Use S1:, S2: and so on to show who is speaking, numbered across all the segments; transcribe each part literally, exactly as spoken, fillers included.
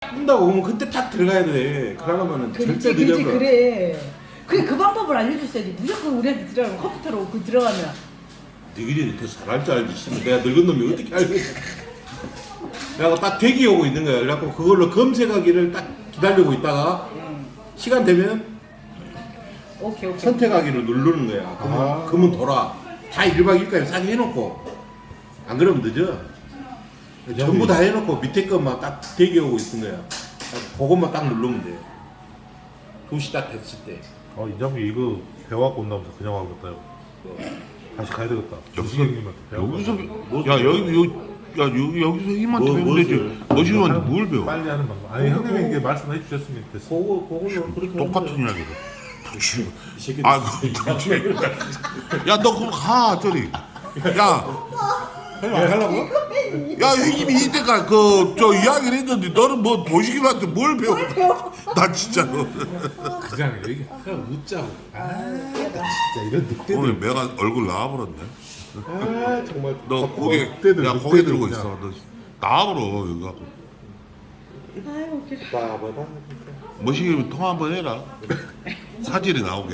S1: 딱 뜬다고 그러면 그때 딱 들어가야 돼. 그러려면은
S2: 그렇지,
S1: 절대
S2: 그렇지,
S1: 늦어버려.
S2: 그래. 그래, 그 방법을 알려줬어야지. 무조건 우리한테 들어가면 컴퓨터로 그 들어가면.
S1: 니들이 더 잘할 줄 알지. 씨발, 내가 늙은 놈이 어떻게 알겠어. 그래갖고 딱 대기 오고 있는 거야. 그래갖고 그걸로 검색하기를 딱 기다리고 있다가
S2: 응.
S1: 시간 되면
S2: 오케이, 오케이.
S1: 선택하기를 누르는 거야. 그러면,
S3: 아.
S1: 그러면 돌아. 다 일 박 이 일까지 싸게 해놓고. 안 그러면 늦어. 전부 다 해놓고 밑에 것만 딱 대기 오고 있는 거야. 딱 그것만 딱 누르면 돼. 두 시 딱 됐을 때.
S3: 어, 이장비 이거 배워갖고 온다면서 그냥 와겠다.
S1: 뭐.
S3: 다시 가야 되겠다.
S4: 여기서
S3: 주식형님한테 배워갖고
S4: 여기서
S3: 온다.
S4: 야 여기 요 야 여기 여기서 힘만
S1: 뭐,
S4: 되면 되지.
S1: 무엇을?
S4: 머신한테 뭘 배워?
S3: 빨리 하는 방법. 아니 형님이 이게 말씀해 주셨으면 됐어.
S1: 그거, 그걸로 그렇게
S4: 똑같은
S1: 하면 돼.
S4: 이야기다. 당신.
S1: 이 새끼들.
S4: 아, 그 당신. 야, 너 그럼 가 저리. 야,
S1: 형님 안 하려고?
S4: 야 형님이 이때까지 그저 이야기를 했는데 너는 뭐 도시기한테 뭘 배워? 나 진짜로.
S3: 그냥 여기 그냥 웃자고. 아, 나 진짜 이런 늑대들.
S4: 오늘 내가 얼굴 나와버렸네.
S1: 아 정말.
S4: 너 고개,
S3: 늑대들,
S4: 야 고개
S3: 늑대들
S4: 들고
S3: 그냥.
S4: 있어. 너 나와버려 여기 갖고.
S2: 아유, 웃기다.
S1: 봐봐봐.
S4: 머시기 통화 한번 해라. 사진이 나오게.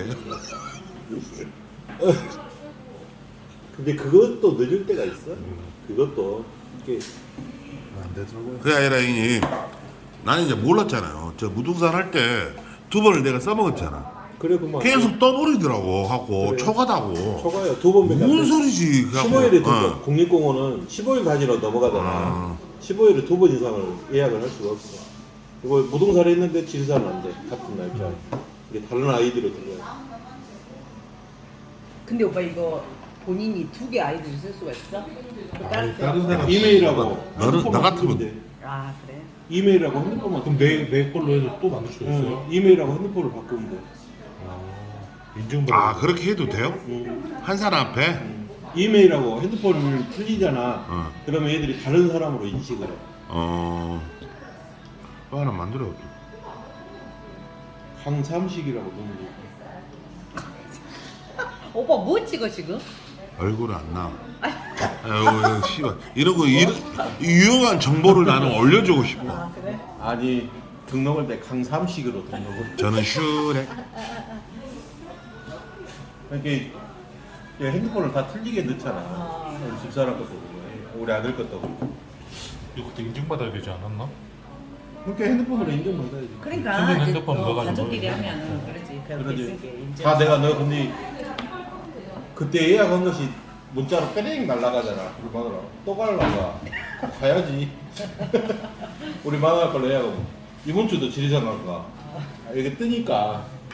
S1: 근데 그것도 늦을 때가 있어. 그것도 이게
S3: 안 되더라고요.
S4: 그게 아니라 형님 나는 이제 몰랐잖아요. 저 무등산 할 때 두 번을 내가 써먹었잖아.
S1: 그래 그만.
S4: 계속 떠버리더라고 하고
S1: 그래.
S4: 초과다고.
S1: 초과요. 두 번밖에 안
S4: 무슨
S1: 돼.
S4: 소리지? 그래갖고,
S1: 십오 일에 두
S4: 어.
S1: 번. 국립공원은 십오 일까지로 넘어가잖아.
S4: 아.
S1: 십오 일에 두 번 이상을 예약을 할 수가 없어. 이거 무등산에 했는데 지리산은 안 돼. 같은 날짜. 이게 다른 아이디로 들어야
S2: 근데 오빠 이거 본인이 두 개 아이디를 쓸 수가 있어? 그 다른
S3: 다른
S2: 데?
S3: 사람.
S1: 돼. 이메일하고.
S4: 너는
S1: 핸드폰만
S4: 나 같으면
S1: 쓰면 돼.
S2: 아, 그래?
S1: 이메일하고 핸드폰만.
S3: 그럼 내, 내 걸로 해서 또 만들 수 있어요?
S1: 응, 이메일하고 핸드폰을 바꾸면 돼.
S3: 아, 인증받아.
S4: 아 그렇게 해도 돼요?
S1: 응.
S4: 한 사람 앞에?
S1: 이메일하고 핸드폰을 틀리잖아.
S4: 어.
S1: 그러면 애들이 다른 사람으로 인식을 해.
S4: 어. 또 하나 만들어.
S1: 강삼식이라고 넣으면 돼.
S2: 오빠 뭐 찍어 지금?
S4: 얼굴이 안 나와. 아유, 씨발. 이런 거 이런 유용한 정보를 나는 올려주고 싶어.
S2: 아, 그래?
S1: 아니 등록할 때 강삼식으로 등록을.
S4: 저는 슈렉.
S1: 이렇게 핸드폰을 다 틀리게 넣잖아.
S2: 아.
S1: 우리 집사람 것도 그렇고 우리 아들 것도 그렇고.
S3: 이거 그때 인증받아야 되지 않았나?
S1: 그러니까 핸드폰으로 인정받아야지.
S2: 그러니까
S3: 친구
S2: 이제
S3: 핸드폰
S2: 또
S3: 넣어가지고
S2: 가족끼리
S3: 넣어야지.
S2: 하면은 그러지 배울 게 있으니까
S1: 그러지.
S2: 인증.
S1: 다 내가 너 근데 그때 예약한 것이 문자로 빼링 날라가잖아. 우리 마누라 또 갈라가. 가야지. 우리 마누라 걸로 예약하고 이번 주도 지리산 갈까. 이게 뜨니까